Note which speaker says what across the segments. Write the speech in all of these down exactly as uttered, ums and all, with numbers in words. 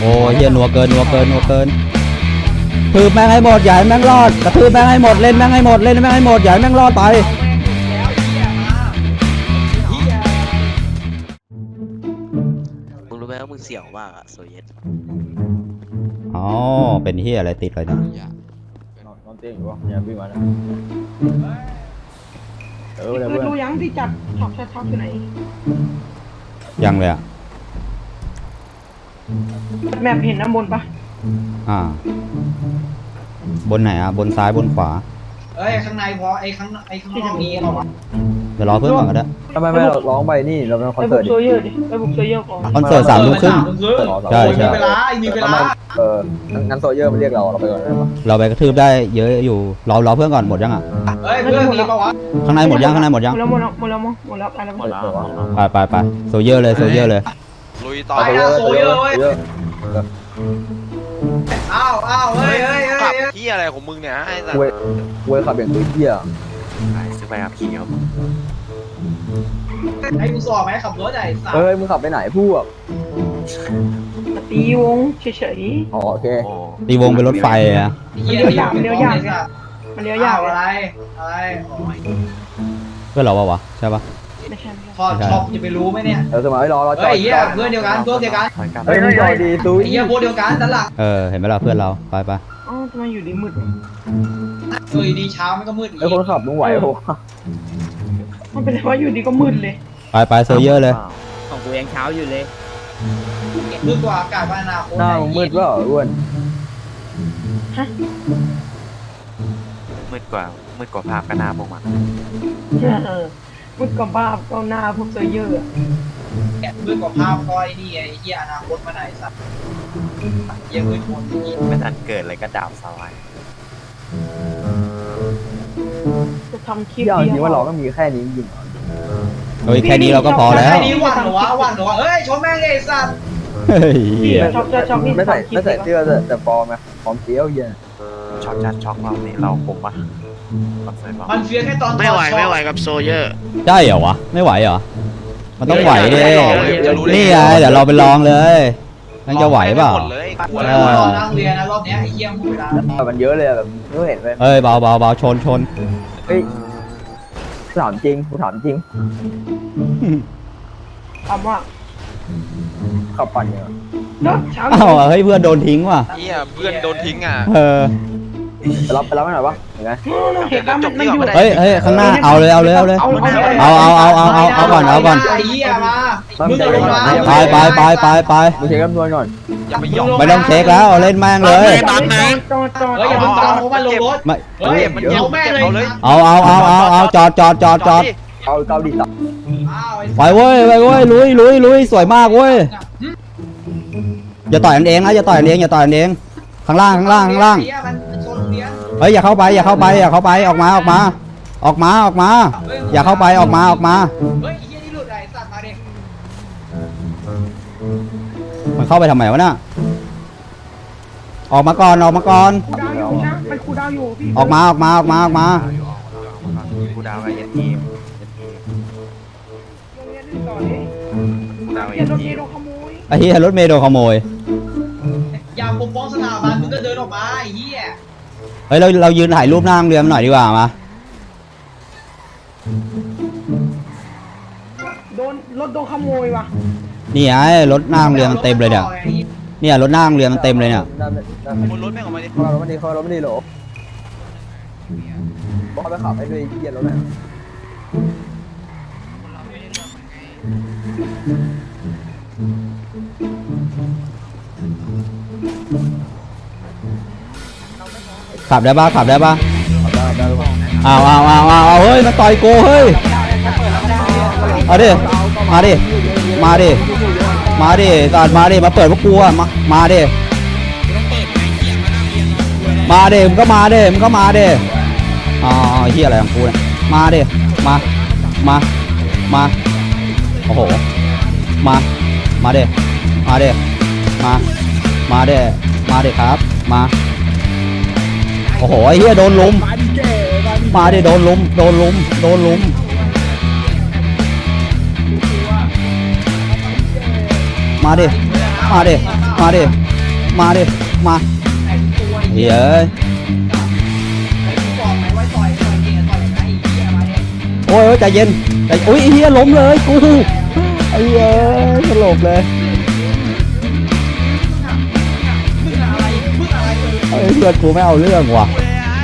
Speaker 1: อ้ยเฮียนัวเกินนัวเกินนัวเกินทืบแม่งให้หมดอย่าให้แม่งรอดกระทืบแม่งให้หมดเล่นแม่งให้หมดเล่นแม่งให้หมดอย่าให้แม่งรอดไป
Speaker 2: มึงรู้ไหมว่ามึงเสี่ยวมากอะโซเยต
Speaker 1: อ๋อเป็นเฮียอะไรติดเลยนะ
Speaker 3: นอนเตียงอยู่วะเนี่ยวิ่งมาเนี่ยเออเลย
Speaker 4: คือ
Speaker 3: เพื่อน
Speaker 4: ดูยังที่จับช็อกช็อกช็อกอยู่ไหน
Speaker 1: ยังเลยอ่ะ
Speaker 4: แมพเห็นน้ำบนปะ
Speaker 1: อ่าบนไหนอ่ะบนซ้ายบนขวา
Speaker 5: เอ้ยข้างในพอไอ้ข้างไอ้ข้างนอกมีเหรอวะ
Speaker 1: เดี๋ยวรอเพื่อนก่อนก็ได้
Speaker 3: ทำไมไม่เราร้องไปนี่เราเป็นคอน
Speaker 4: ไป
Speaker 3: เสิ
Speaker 4: บุ
Speaker 3: ร์ต
Speaker 4: กโซเยอร์ดิไปบุกโซเยอร์ก่อน
Speaker 1: คอนเสิร์ตสามทุ่มครึ่งใช่ใช่
Speaker 5: มีเวลามีเวลา
Speaker 3: เอองั้นโซเยอร์มันเรียกเราเราไปก่อนได้ปะ
Speaker 1: เราไปกระทืบได้เยอะอยู่รอรอเพื่อนก่อนหมดยังอ่ะ
Speaker 5: เฮ้ยเพื่อนมีปะวะ
Speaker 1: ข้างในหมดยังข้างในหมดยัง
Speaker 4: หมดแล้วหมดแล้วหมดแล้วหมดแล้วอะไรหมดแล้ว
Speaker 1: ไปไปไปโซเยอร์เลยโซเยอร์เลย
Speaker 2: ลุยต่อ
Speaker 5: ไปนะโซเยอร์เว้ยอ้าวอ้าวเฮ้ยเฮ้ยเฮ้ย
Speaker 2: ขับที่อะไรของมึงเนี่ยไอ้สัส
Speaker 3: เว้ยเว้ยขับอย่างตัวเหี้ย
Speaker 2: ซื้อไปขับขี่ครับ
Speaker 5: ไอ้กูสอบไหมขับรถใหญ่สัตว์
Speaker 3: เฮ้ยมึงขับไปไหนพวก
Speaker 4: ตีวงเฉยๆ
Speaker 3: อ๋อโอเค
Speaker 1: ตีวงเป็นรถไฟอ่ะ
Speaker 4: มันเลี้ยวยากมันเลี้ยวยากมันเลี้ยวยาก
Speaker 5: อะไรอะไร
Speaker 1: เพื่อนเราปะวะใช่ปะ
Speaker 4: ไม่ใช่
Speaker 5: พอช็อปจะไปรู้ไหมเนี่ย
Speaker 3: เออสมัยรอรอจ
Speaker 5: เฮ้
Speaker 3: อยด
Speaker 5: เหี้ยเพื่อนเดียวกันพวกเดียวกัน
Speaker 3: เฮ้ยมึงจอดดีซูย
Speaker 5: ไอ้เหี้ยพวกเดียวกันด้านหลัง
Speaker 1: เออเห็นไหมล่ะเพื่อนเราไปไป
Speaker 4: อ๋อทำไมอยู่ดีมืด
Speaker 5: เฮ้ยดีเช้ามันก็มืดอีก
Speaker 3: ไอ้คนขับมึงไหวปะ
Speaker 4: มันเป็นว่าอยู่ดีก็มืดเลย
Speaker 1: ไปไปโซเยอร์เลย
Speaker 6: ของกูยังเช้าอยู่เลย
Speaker 5: มืดกว่าอากาศบ้านนาโค
Speaker 3: หน้ามึงมืดเปล่าอ้วน
Speaker 4: ฮะ
Speaker 2: มืดกว่ามืดกว่าภาพกระนาพวกมัน
Speaker 4: มืดกับบ้าก็หน้าพวกโซเยอร์
Speaker 5: แกะมืดกว่าภาพก้อยนี่ไอ้เหี้ยอนาคตมาไหนสัตว์เหี้ยมืดหมด
Speaker 2: ไม่ทันเกิดเลยก็ดาบสลาย
Speaker 4: จะทำคลิป
Speaker 3: ที่เอาจ
Speaker 4: เดี
Speaker 3: ริง
Speaker 4: ยว
Speaker 3: ว่าเราก็มีแค่นี้จริง
Speaker 1: เฮ้ยแค่นี้เราก็พอแล้ว
Speaker 5: ไอ้นี่หวันเหรอวะหวันเหรอวะเฮ้ยชมแม่งไอ้สัตว์
Speaker 1: เฮ้ย
Speaker 4: ช็อกช็อกนี่
Speaker 3: ไม่ใส่
Speaker 4: ทำคลิป
Speaker 3: ไม่ใส่เสื้อแต่แต่ฟอร์มไงฟอร์มเกี้ยวเย็น
Speaker 2: ช็อกจัดช็อกเราเนี่ยเราคงปะคอนเสิร์ตเรา
Speaker 5: มันเฟี้ยแค่ตอน
Speaker 2: ไม่ไหวไม่ไหวกับโซเยอร์
Speaker 1: ได้เหรอวะไม่ไหวเหรอมันต้องไหวดิ
Speaker 2: จะรู้ได้
Speaker 1: นี่ไงเดี๋ยวเราไปลองเลยนั่นจะไหวเปล่า
Speaker 2: หมดเลย
Speaker 5: หัวแล้วรอนั่งเรียนนะรอบเนี้ยไอ้เหี้ยหมดเวลาแล้ว
Speaker 3: แต่มันเยอะเลยแบบไม่เห็นเลย
Speaker 1: เอ้ยเบาเบาเบาชนชน
Speaker 3: เฮ้ยถามจริงกูถามจริง
Speaker 4: ถามว่า
Speaker 3: ขับปั่นยัง
Speaker 4: เนาะเช้า
Speaker 1: อ้าวเฮ้ยเพื่อนโดนทิ้งว่ะ
Speaker 2: เฮียเพื่อนโดนทิ้งอ่ะ
Speaker 1: เออ
Speaker 3: ไปรับไปรับให้หน่อยวะเห็นไหม
Speaker 4: เห็นแล้วมันมันอยู่
Speaker 1: เฮ้ยเฮ้ยข้างหน้าเอาเลยเอาเลยเอาเลยเอาเอาเอาเอาเอาเอาก่อนเอาก่อน
Speaker 5: ไอ้เหี้ยมามึงลงมา
Speaker 1: ไปไปไปไปไป
Speaker 3: มึงเช็คจำนวนก่อน
Speaker 2: อย่าไปหยอก
Speaker 1: ไม่ต้องเช็คแล้วเล่นแม่งเลย
Speaker 4: จอดจอดจอด
Speaker 5: เฮ้ยอย่าเพิ่งตามเพราะมันลงรถ
Speaker 1: ไม่
Speaker 5: เฮ้ยมันเอาแม่เลย
Speaker 1: เอาเอาเอาเอาเอาจอดจอดจอดจอด
Speaker 3: เอาเกาหลีตับ
Speaker 1: ไปเว้ยไปเว้ยลุยลุยลุยสวยมากเว้ยอย่าต่อยกันเองนะอย่าต่อยกันเองอย่าต่อยกันเองข้างล่างข้างล่างข้างล่างเฮ้ยอย่าเข้าไปอย่าเข้าไปอย่าเข้าไปออกมาออกมา ออกมาออกมา อย่าเข้าไปออกมาออกมา
Speaker 5: เฮ้ยไอ้เหี้ยนี่หลุดไอ้สัตว์มาดิ
Speaker 1: มันเข้าไปทำไมวะน่ะออกมาก่อนออกมาก่อน
Speaker 4: คูดาวอยู่นะมันคูดาวอยู่พี่
Speaker 1: ออกมาออกมาออกมาออกมา
Speaker 2: กูดาวไอ้ยันทีม
Speaker 4: โรงเรียนนี่ต่อเลย
Speaker 2: กูดาวไอ้
Speaker 4: เรีย
Speaker 2: ยั
Speaker 4: น
Speaker 2: น
Speaker 4: รถ
Speaker 2: ที
Speaker 4: เม
Speaker 2: ม
Speaker 4: ล์โดนขโมย
Speaker 1: ไอ้เหี้ยรถเมล์โดนขโมย
Speaker 5: อย่าปกป้องสถาบันมึงก็เดินออกมาไอ้เหี้ย
Speaker 1: เฮ้ยเราเรายืนถ่ายรูปหน้าโรงเรือมันหน่อยดีกว่ามา
Speaker 4: โดนรถโดนขโมยว่ะ
Speaker 1: นี่ไงรถหน้าโรงเรือมันเต็มเลยเนี่ยเนี่ยรถหน้าโรงเรือมันเต็มเลยเนี่ย
Speaker 3: ด้านด้าน
Speaker 2: บนรถแม่งออกมาดิ
Speaker 3: เขาเราไม่ดีเขาเราไม่ดีหรอบอกเขาไปขับให้ด้วยเย็นรถหน่อย
Speaker 1: ขับได้ปะขับได้ปะ
Speaker 3: ขับได้ได้หรือเปล่า
Speaker 1: อ้าวอ้าวอ้าวอ้าวเฮ้ยมันต่อยกูเฮ้ยเอาดิมาดิมาดิมาดิตัดมาดิมาเปิดพวกกูอะมามาดิมาดิมึงก็มาดิมึงก็มาดิอ๋อเฮียอะไรของกูเนี่ยมาดิมามามาโอ้โหมามาดิมาดิมามาดิมาดิครับมาโอ้โหไอ้เฮียโดนลุมมาดิโดนลุมโดนลุมโดนลุมมาดิมาดิมาดิมาดิมา
Speaker 5: ไอ้ตัว
Speaker 1: เหี้ยเอ้ย
Speaker 5: ไอ้กูบอกไหมว่าต่อยต่อยเองต่อยนะไอ้เหี้ยมาเนี่ย
Speaker 1: โอ้ยใจเย็นใจอุ้ยไอ้เหี้ยล้มเลยกูไอ้เหี้ยสลบเลย
Speaker 5: มึงอะไรมึงอะไรเลย
Speaker 1: เฮ้ยเพื่อนกูไม่เอาเรื่องว่ะ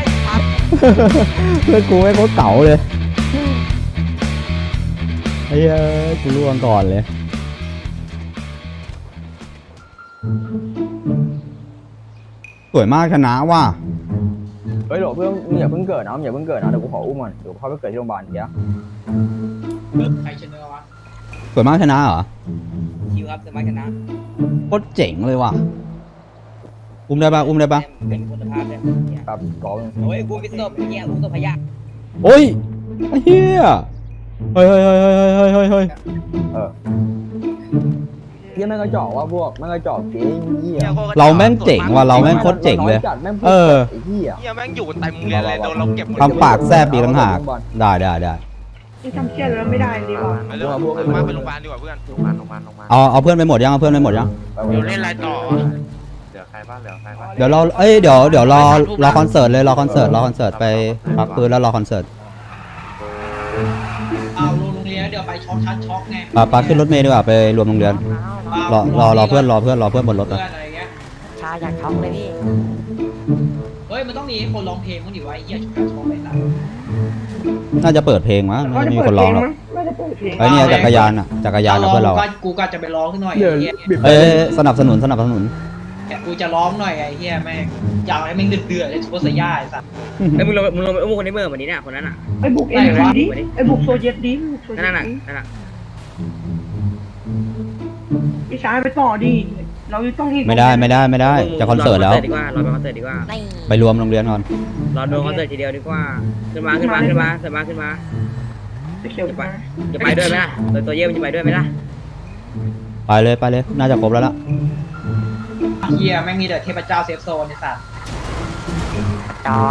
Speaker 1: เพื่อนกูไม่โคตรเก๋าเลยไอ้เหี้ยกูล่วงก่อนเลยสวยมากชนะว่ะ
Speaker 3: เฮ้ยเดี๋ยวเพื่อนมึงอย่าเพิ่งเกิดนะมึงอย่าเพิ่งเกิดนะเดี๋ยวกูขออุ้มก่อนเดี๋ยวเขาไปเกิดที่โรงพยาบาลเดี๋ยว
Speaker 5: ใครชนะวะ
Speaker 1: สวยมากชนะเหรอ
Speaker 6: คิวครับสมัครชนะ
Speaker 1: โคตรเจ๋งเลยว่ะอุ้มได้ปะอุ้มได้ปะ
Speaker 6: เป็นคุณภาพเลย
Speaker 3: ครับกอล์ฟ
Speaker 6: โอ้ยกูพิศพเนี่ยกูตัวพยา
Speaker 1: โอ้ยไอ้เหี้ยเฮ้ยเฮ้ยเฮ้ยเฮ้ยเฮ้ยเฮ้ยเฮ้ย
Speaker 3: เออเฮียแม่งกระจอกว่าพวกแม่งกระจอกเก๋เหี้ย
Speaker 1: เราแม่งเจ๋งว่ะเราแม่งโคตรเจ๋งเลย
Speaker 3: จัดแม่งพูด
Speaker 1: เออ
Speaker 3: ไอ้เหี้ย
Speaker 7: เฮียแม่งอยู่เต็มเรียนเลยโดนเราเก็บหมด
Speaker 1: ทำปากแซบอีกต่างหากได้ได้ได้
Speaker 4: นี่ทำเชี่ยแล้วไม่ได้ดีกว่า
Speaker 7: ไปเรื่องมาไปโรงพยาบาลดีกว่าเพื่อน
Speaker 2: โรงพยาบาลโรงพยาบาลโรงพยาบาล
Speaker 1: เอาเอาเพื่อนไปหมดยังเอาเพื่อนไปหมดยัง
Speaker 7: เดี๋ยวเล่นอะไรต่อวะ
Speaker 2: เหลือใครบ้างเหลือใครบ้าง
Speaker 1: เดี๋ยวเราเอ้ยเดี๋ยวเดี๋ยวรอรอคอนเสิร์ตเลยรอคอนเสิร์ตรอคอนเสิร์ตไปพักปืนแล้วรอคอนเสิร์ต
Speaker 5: เอาลงโรงเรียนเดี๋ยวไปช็อกชัดช็อกไง
Speaker 1: ปาปาขึ้นรถเมล์ดีกว่าไปรวมโรงเรียนรอรอรอเพื่อนรอเพื่อนรอเพื่อนบนรถ
Speaker 5: เพื่อ
Speaker 1: นะ
Speaker 5: นอะไรเงี้ย
Speaker 6: ชาอยากท้องเลยพี่
Speaker 5: เฮ้ยมันต้องมีคนร้องเพลงมั้งดิวะไอ้เหี้ยช็อกชัดช็อกไปละ
Speaker 1: น่าจะเปิดเพลงมั้ง
Speaker 4: ก็
Speaker 1: ไม่
Speaker 4: จะ
Speaker 1: มี
Speaker 4: เปิ
Speaker 1: ค
Speaker 4: ด
Speaker 1: น
Speaker 4: เพ
Speaker 1: ร้
Speaker 4: ล
Speaker 1: อง
Speaker 4: ง
Speaker 1: หรอก
Speaker 4: มั้งไม่ได้เปิดเพลง
Speaker 1: ไอ้เนี่ยจักรยานอ่ะจักรยานกับเพื่อนเรา
Speaker 5: ก็กูก็จะไปร้องขึ้นหน่อย
Speaker 3: เดี๋ยว
Speaker 5: ไอ้เหี้ย
Speaker 3: บิด
Speaker 1: เอ้ยสนับสนุนสนับสนุน
Speaker 5: กูจะร้องหน่อยไอ้เหี้ยแม่งอยากให้แม่งเดือดๆเลยซุปเปอร์ไซย่าไอ้สัส
Speaker 6: ไอ้มึงลงมึงลงไปอุ้มคนในเมื่อวันนี้น่ะคนนั้นอ่ะ
Speaker 4: ไอ้บุกเอ็นดีดิไอ้บุกโซเยตดิบุกโซเย
Speaker 6: นั่น
Speaker 4: ต
Speaker 6: น่ะ
Speaker 4: ดิ
Speaker 6: นั่นน่ะ
Speaker 4: พี่ชายไปต่อดิเราต้องรีบ
Speaker 1: ไม่ได้ไม่ได้ไม่ได้จะคอนเสิร์ตแล้ว
Speaker 6: ดีกว่ารอไปคอนเสิร์ตดีกว่า
Speaker 1: ไปรวมโรงเรียนก่อน
Speaker 6: รอดูคอนเสิร์ตทีเดียวดีกว่าขึ้นมาขึ้นมาขึ้นมาขึ้นมาขึ้นมา
Speaker 4: ไปเขียวไป
Speaker 6: จะไปด้วยไหมล่ะตัวตัวเยี่ยมจะไปด้วยไหมล่ะ
Speaker 1: ไปเลยไปเลยน่าจะครบแล้วล่ะ
Speaker 5: เหี้ยแม่งมีแต่เทพเจ้าเซฟโซนไอ้สัส
Speaker 6: จอก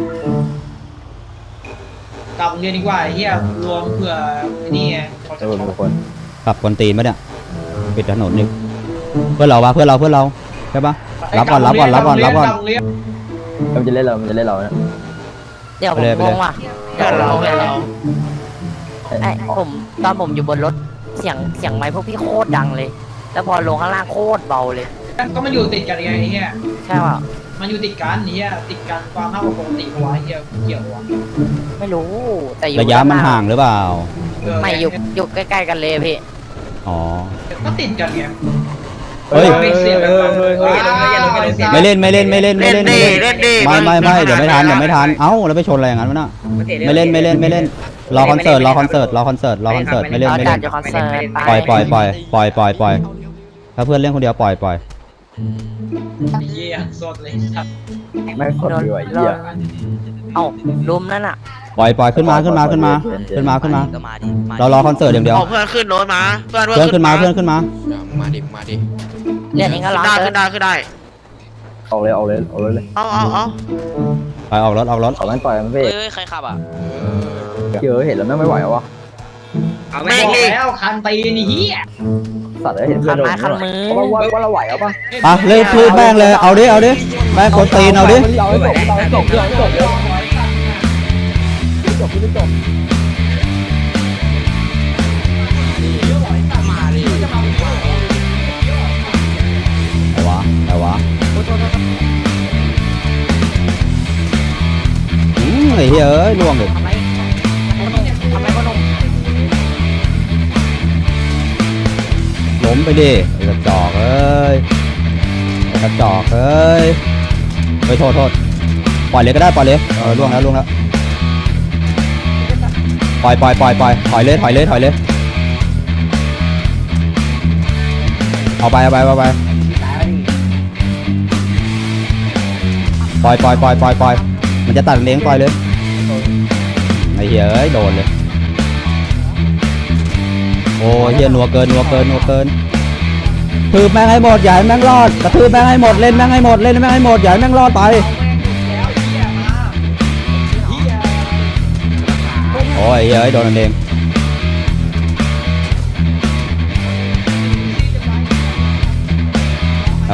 Speaker 5: กลับโรงเรียนดีกว่าไอ้เหี้ยรวมเผื่อนี่ไงเขา
Speaker 3: เอ
Speaker 5: จะ
Speaker 3: อ
Speaker 5: ช็อก
Speaker 3: ทุกคน
Speaker 1: ขับกวนตีนปะเนี่ยปิดถนนนี่เพื่อนเราวะเพื่อนเราเพื่อนเราใช่ปะรับก่อนรับก่อนรับก่อนรับก่อน
Speaker 5: โรงเรียน
Speaker 3: มันจะเล่นเรามันจะเล่นเราเนี่ย
Speaker 8: เดี๋ยว
Speaker 1: ไป
Speaker 8: ผม
Speaker 1: เลยไป
Speaker 8: ง
Speaker 1: เลย
Speaker 8: งว่ะ
Speaker 7: เพื่อนเราเพื่อนเรา
Speaker 8: ไอ้ผมตอนผมอยู่บนรถเสียงเสียงไมค์พวกพี่โคตรดังเลย แล้วพอลงข้างล่างโคตรเบาเลย
Speaker 5: ก็มันอยู่ติดกันไงไอ้เหี้ย
Speaker 8: ใช่ป่ะ
Speaker 5: มันอยู่ติดกันไอ้เหี้ยติดกันความมากกว่าปกติวะไอ้เหี้ยเกี่ยววะ
Speaker 8: ไม่รู้แต่อยู่
Speaker 1: ระยะมันห่างหรือเปล่า
Speaker 5: เออ
Speaker 8: ไม่อยู่อยู่ใกล้ๆกันเลยพี่
Speaker 1: อ๋อ
Speaker 5: ก็ติดกันไง
Speaker 1: เฮ้ย
Speaker 5: ไม่เสียกันเลย
Speaker 1: ไม่เล่นไม่เล่นไม่เล่นไม่
Speaker 7: เล่น
Speaker 1: เล่น
Speaker 7: ดี
Speaker 1: ไม่เล่น
Speaker 7: เล่นดี
Speaker 1: ไม่ไม่ไม่เดี๋ยวไม่ทันเดี๋ยวไม่ทันเอ้าแล้วไปชนอะไรอย่างนั้นวะน่ะ
Speaker 6: าตะ
Speaker 1: ไม่เล่นไม่เล่นไม่เล่นรอคอนเสิร์ตรอคอนเสิร์ตรอคอนเสิร์ตรอคอนเสิร์ตไม่เล่น
Speaker 8: เรา
Speaker 1: ไม่
Speaker 8: จั
Speaker 1: เล่
Speaker 8: ด
Speaker 1: น
Speaker 8: อยู่คอนเสิร์ต
Speaker 1: ปล่อยปล่อยปล่อยปล่อยปล่อยปล่อยถ้าเพื่อนเล่นคนเดียวปล่อยปล่อย
Speaker 5: ไอ้เหี้ยสดเลยสัตว์
Speaker 3: แม่งสดดีว่ะไอ้เหี้ย
Speaker 8: เอ้าลุมนั่นอ่ะ
Speaker 1: ปล่อยปล่อยขึ้นมาขึ้นมาขึ้นมาขึ้นมาขึ้นมาเรารอคอนเสิร์ตอย่างเดียว
Speaker 7: เอาเพื่อนขึ้นรถมาเพื่อน
Speaker 1: เพื่อนขึ้นมาเพื่อนขึ้นมา
Speaker 7: มาดิมาดิ
Speaker 8: เล่นเองก็ร้อง
Speaker 7: ได้
Speaker 8: เกิ
Speaker 7: ขึ้
Speaker 8: น
Speaker 7: นได้ขึ้นได้
Speaker 3: เอาเลยเอาเลยเอาเลยเลย
Speaker 7: เอาเอาเอา
Speaker 1: ไปออกรถออกรถ
Speaker 3: เอาแม่งต่อยมันเพ่
Speaker 8: เฮ้ยใครขับอ่ะ
Speaker 3: เจอเห็นแล้วแม่งไม่ไหววะ
Speaker 6: เอา
Speaker 5: บ
Speaker 6: ไม่
Speaker 5: อก
Speaker 6: ดิ
Speaker 5: แล้วคันตีนี่เหี้ย
Speaker 3: สัตว์เห็นเพื่
Speaker 8: คั
Speaker 3: อน
Speaker 8: น
Speaker 3: โดน
Speaker 8: ไม้คันมือ
Speaker 3: ว่าว่าว่าเราไหวเอาปะ
Speaker 1: ไปเล่นพูดแม่งเลยเอาดิเอาดิแม่งคนตีนเอาดิ
Speaker 3: เอาให้จบเอาให้จบเอาให้จบเลยจบไม่จบ
Speaker 1: แต่วะแต่วะอืมไอ้เหี้ยเอ้ยล่วงเลย
Speaker 8: ทำไมทำไมพ่อหนุ่ม
Speaker 1: ล้มไปดิไอ้กระจอกเอ้ยไอ้กระจอกเอ้ยไปโทษโทษปล่อยเลยก็ได้ปล่อยเลยเออล่วงแล้วล่วงแล้วปล่อยปล่อยปล่อยปล่อยถอยเลยถอยเลยถอยเลยเอาไปเอาไปเอาไปปล่อยปล่อยปล่อยปล่อยปล่อยมันจะตัดเลี้ยงปล่อยเลยไอ้เหี้ยเอ้ยโดนเลยโอ้ยเหี้ยนัวเกินนัวเกินนัวเกินทืบแม่งให้หมดอย่าให้แม่งรอดกระทืบแม่งให้หมดเล่นแม่งให้หมดเล่นแม่งให้หมดอย่าให้แม่งรอดไปโอ้ยเหี้ยเอ้ยโดนมันเองเอา